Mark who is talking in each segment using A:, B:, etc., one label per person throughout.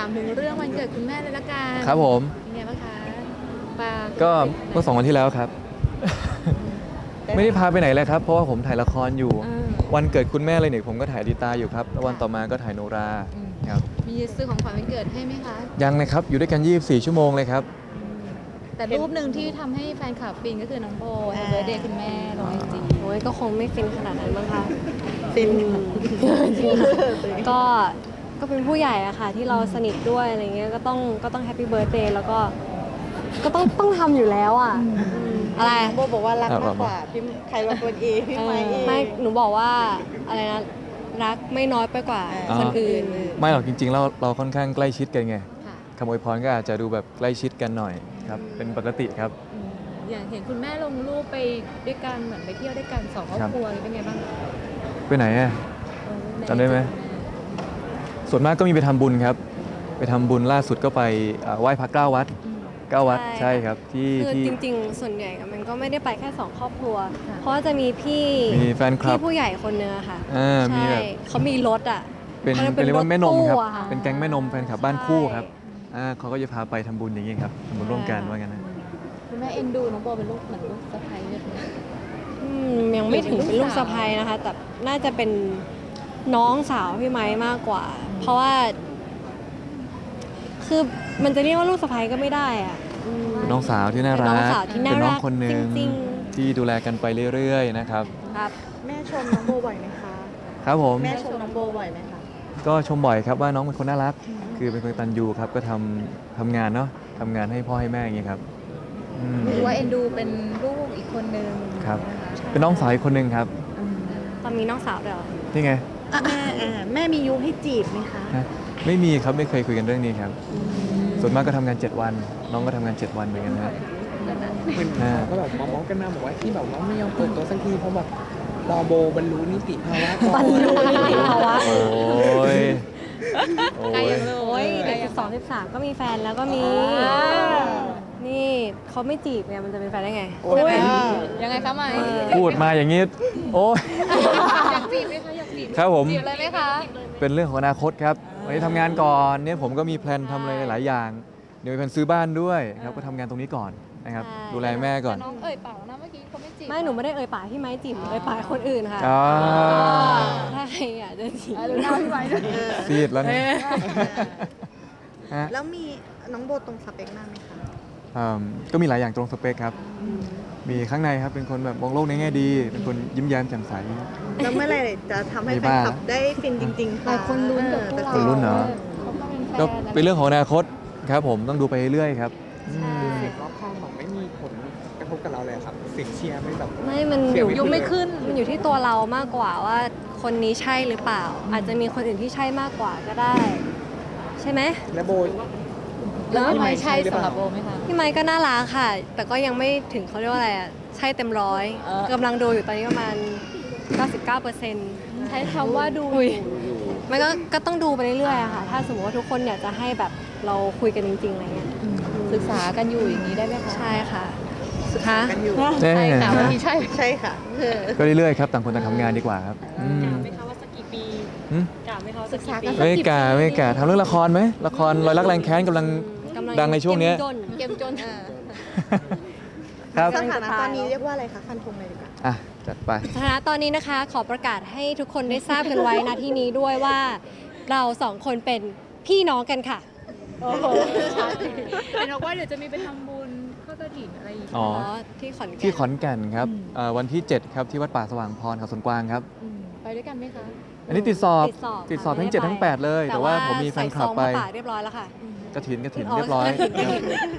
A: ามถึงเรื่องวันเกิดคุณแม่เลยละกัน
B: ครับผม
A: เป็นไงบ้างคะปา
B: ก็เมื่อ2 วันที่แล้วครับ ไม่ได้พาไปไหนเลยครับ เพราะว่าผมถ่ายละครอยู่ วันเกิดคุณแม่เลยเนี่ยผมก็ถ่ายดีตาอยู่ครับแล้ววันต่อมาก็ถ่ายโนราครับ
A: มีซื้อของขวัญวันเกิดให้ไหมคะ
B: ยังนะครับอยู่ด้วยกัน24 ชั่วโมงเลยครับ
A: แต่รูปหนึ่งที่ทำให้แฟนคลับฟินก็คือน้องโบแฮปปี้เบิร์ธเดย์คุณแม่ลงไอจี
C: โอ้ยก็คงไม่ฟินขนาดนั้นมั้งคะ
D: ฟิน
C: ก็เป็นผู้ใหญ่อะค่ะที่เราสนิทด้วยอะไรเงี้ยก็ต้องแฮปปี้เบิร์ธเดย์แล้วก็ต้องทำอยู่แล้วอะอะไร
D: โบบอกว่ารักมากกว่าพี่ใครบางคนเองพี่ไม้เอง
C: ไม่หนูบอกว่าอะไรนะรักไม่น้อยไปกว่า
B: อ๋อ
C: คนอื่น
B: ไม่หรอกจริงๆเราค่อนข้างใกล้ชิดกันไง
A: ค่ะ
B: คำอวยพรก็อาจจะดูแบบใกล้ชิดกันหน่อยครับเป็นปกติครับ
A: อย่างเห็นคุณแม่ลงรูปไปด้วยกันเหมือนไปเที่ยวด้วยกันสองครอบครัวเป็นไงบ้าง
B: ไปไหนอะ จำได้ไหม ส่วนมากก็มีไปทำบุญครับ ไปทำบุญล่าสุดก็ไปไหว้พระ9 วัด 9 วัดใช่ครับที่
C: คือ
B: ที่
C: จริงๆ ส่วนใหญ่มันก็ไม่ได้ไปแค่2 ครอบครัว เพราะว่าจะมีพี่
B: มีแฟนคลับ
C: พี่ผู้ใหญ่คนนึงอะค่ะ
B: มี
C: ใช่
B: แบบ
C: เขามีรถอะ
B: เป็น
C: เขา
B: เป็นเรียกว่าแม่นมครับ
C: ถตู้อะะ
B: เป็นแก๊งแม่นมแฟนคลับบ้านคู่ครับ
C: ใช่
B: เขาก็จะพาไปทำบุญอย่างนี้ครับทำบุญร่วมกันว่างั้นนะ
A: คุณแม่เอ็นดูน้องโบเป็นลูกเหมือนลูกสะใภ้เลยค่ะ
C: ยังไม่ถึงเป็นลูกสะใภ้นะคะ แต่น่าจะเป็นน้องสาวพี่ไม้มากกว่า เพราะว่า คือมันจะเรียกว่าลูกสะใภ้ก็ไม่ได้อะอืม
B: เป็นน้องสาวที่น่า
C: เป็น
B: รั
C: น้
B: ก
C: องสาวที่น่า
B: เป็นน้อง
C: รัก
B: คนหนึ่ง
C: จริง
B: ที่ดูแลกันไปเรื่อยๆนะครับ
C: ๆครับ
D: แม่ชมน้องโบบ่อยไหมคะ
B: ครับผม
D: แม่ชมน้องโบบ่อยไหมคะ
B: ก็ชมบ่อยครับว่าน้องเป็นคนน่ารัก คือเป็นคนกตัญญูครับก็ทำงานเนาะทำงานให้พ่อให้แม่อย่างเงี้ยครับอืม
A: หรือว่าเอ็นดูเป็นลูกอีกคนนึง
B: ครับ
A: นะคะ
B: เป็นน้องสาวอีกคนหนึ่งครับ
C: ตอนมีน้องสาวด้วยเหรอ
B: นี่ไง
D: แม่มียุให้จีบไหมคะ
B: ฮะไม่มีครับไม่เคยคุยกันเรื่องนี้ครับ ส่วนมากก็ทำงาน 7 วัน น้องก็ทำงาน 7 วันเหมือนกันนะ
E: เหมือนข่าวก็แบบมองกันมาบอกว่าที่แบบว่าไม่ยอมเปิดตัวสักทีเพราะแบบรอโบบรรลุนิติภาวะก่อน
C: บรรลุนิติภาวะ
B: โอ้ยโอ้
A: ใคร
B: ย
A: ยังรู้
C: โอ้ย
A: ใคร
C: เด็ก
A: ยัง
C: 12 13 ก็มีแฟนแล้วก็มี นี่เขาไม่จีบเนี่ยมันจะเป็นแฟนได้ไง
A: ใช่ไหมยังไงคะไหม
B: พูดมาอย่างนี้ โอ้ย
A: อยากจีบไหมคะอยากจีบ
B: ครับผม
A: จีบเลยไหมคะ
B: เป็นเรื่องของอนาคตครับวันนี้ทำงานก่อนเนี่ยผมก็มีแพลนทำอะไรหลายอย่าง เดี๋ยวมีแพลนซื้อบ้านด้วยครับก็ทำงานตรงนี้ก่อนนะครับ
C: ใช่
B: ดูแลแม่ก่อน
A: แต่น้องเอ่ยปากแล้วนะเมื่อกี้เขาไม่จีบ
C: ไม่หนูไม่ได้เอ่ยปากที่ไม้จีบหนูเอ่ยปากคนอื่นค่ะ
B: อ่า
C: ถ้าใครอยากจะจีบ
A: ดูหน้าพี่ไว้ด้วย
B: ซีดแล้วเนี่ยฮะ
D: แล้วมีน้องโบตรงสเปคมากไหมคะ
B: ก็มีหลายอย่างตรงสเปคครับ มีข้างในครับเป็นคนแบบมองโลกในแง่ดี เป็นคนยิ้มแย้มแจ่มใส
D: แล้วเมื่อไหร่จะทำให้
B: มี
D: แฟน
B: บ้าง
D: คลับได้ฟินจริงๆ
A: หลายคนลุ้นกับพวกเรา
B: คนลุ้นเหรอ
A: เขาก็เป็นแฟน
B: ก็
A: นะ
B: เป็นเรื่องของอนาคตครับผมต้องดูไปเรื่อยๆครับ
C: ใช่
E: เสียงรอบข้างบอกไม่มีผลกระทบกับเราเลยครับเสียงเชียร์ไม่แบบ
C: ไม่มัน
E: เสียง
C: อยู่
A: ยุงไม่ขึ้น
C: มันอยู่ที่ตัวเรามากกว่าว่าคนนี้ใช่หรือเปล่า อาจจะมีคนอื่นที่ใช่มากกว่าก็ได้ ใช่ไหม
E: และโบ
A: แล้วพี่ไม้ใช่
E: หรือเป
A: สำห
E: ล่า
A: รับโบไหมคะ
C: พี่ไม้ก็น่ารักค่ะ แต่ก็ยังไม่ถึงเขาเรียกว่าอะไรอ่ะใช่เต็มร้อย
A: เออ
C: กำลังดูอยู่ตอนนี้ประมาณ 99%
A: ใช้คำว่าดู
C: อุ้ยมันก็ต้องดูไปเรื่อยๆอะค่ะ ถ้าสมมติว่าทุกคนอยากจะให้แบบเราคุยกันจริงๆอะไรเงี้ย
A: ศึกษากันอยู่อย่างนี้ได้ไหมคะ
C: ใช่ค่ะคะ
D: กันอยู่
B: แน่
A: ใช่ค่ะวันนี้ใช่
D: ใช่ค่ะ
B: ก็เรื่อยๆครับต่างคนต่างทำงานดีกว่าครับอืม
C: ไม่คะว่าสักกี่ปี
B: อืม
C: กะไม่คะว่า
A: ศึกษากัน
B: ไม่กล้าไม่กล้าทำเรื่องละครไหมละครรอยรักแรงแค้นกำลัง ดังในช่วงเนี้ย
A: เกมจน
B: ครับ
D: สถานะตอนนี้เรียกว่าอะไรคะฟันธงเลยดีกว่า
B: อ่ะจัดไป
C: สถานะตอนนี้นะคะ ขอประกาศให้ทุกคนได้ทราบกันไว้ณที่นี้ด้วยว่า เราสองคนเป็นพี่น้องกันค่ะ
A: โอ้โหเห็นบอกว่าเดี๋ยวจะมีไปทำบุญทอดกระถิ่นอะไรอีก
B: อ๋อ
C: ที่ขอนแก่น
B: ที่ขอนแก่นครับวันที่ 7 ครับที่วัดป่าสว่างพรเขาสวนกวางครับ
A: ไปด้วยกันไหมคะ
B: อันนี้ติดสอบ ติดสอบทั้ง
C: ค่ะ
B: 7 ทั้ง 8 เลย แต่ว่าผมมีแฟนคลับไป
C: ใส่ซองมาฝากเรียบร้อยแล้วค่ะ
B: กระถิน
C: อ๋อ
B: เรียบร้อย
C: กฐิน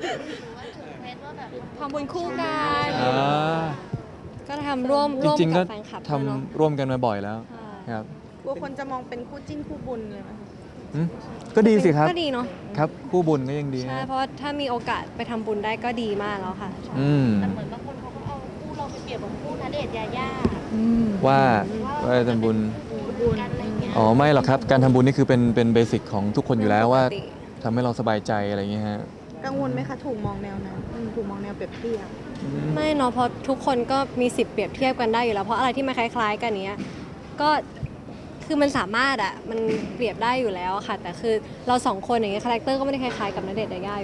A: ทำบุญคู่กัน
B: อ่า
C: ก็ทำร่วม
B: จริง ๆ ก็
C: กับแฟนคลับ
B: ทำ
C: ด้วยเนอะ
B: ร่วมกันมาบ่อยแล้ว
C: ใช่
B: ครับ
D: กลัวคนจะมองเป็นคู่จิ้นคู่บุญเลยไหมคะ
B: อืมก็ดีสิครับ
C: ก็ดีเนาะ
B: ครับคู่บุญก็ยังดี
C: ใช่
B: ฮะ
C: เพราะว่าถ้ามีโอกาสไปทำบุญได้ก็ดีมากแล้วค่ะ
B: อืม
F: แต่เหมือนบางคนเขาก็เอาคู่เราไปเปรียบกับคู่ณเดชน์ยาย่า
B: ว่าทำบุญ
F: กันอะไรเงี้ย
B: อ๋อไม่หรอกครับการทำบุญนี่คือเป็นเบสิกของทุกคนอยู่แล้วว่า
C: ปกติ
B: ทำให้เราสบายใจอะไรอย่างเงี้ยฮะ
D: กังวลไหมคะถูกมองแนวนั้นถูกมองแนวเปรียบเทียบ
C: ไม่เนาะเพราะทุกคนก็มีสิทธิ์เปรียบเทียบกันได้อยู่แล้ว เพราะอะไรที่มันคล้ายๆกันเนี้ยก็คคือมันสามารถมันเปรียบได้อยู่แล้วค่ะ แต่คือเราสองคนอย่างเงี้ยคาแรคเตอร์ก็ไม่ได้คล้ายๆกับณเดชน์ยายา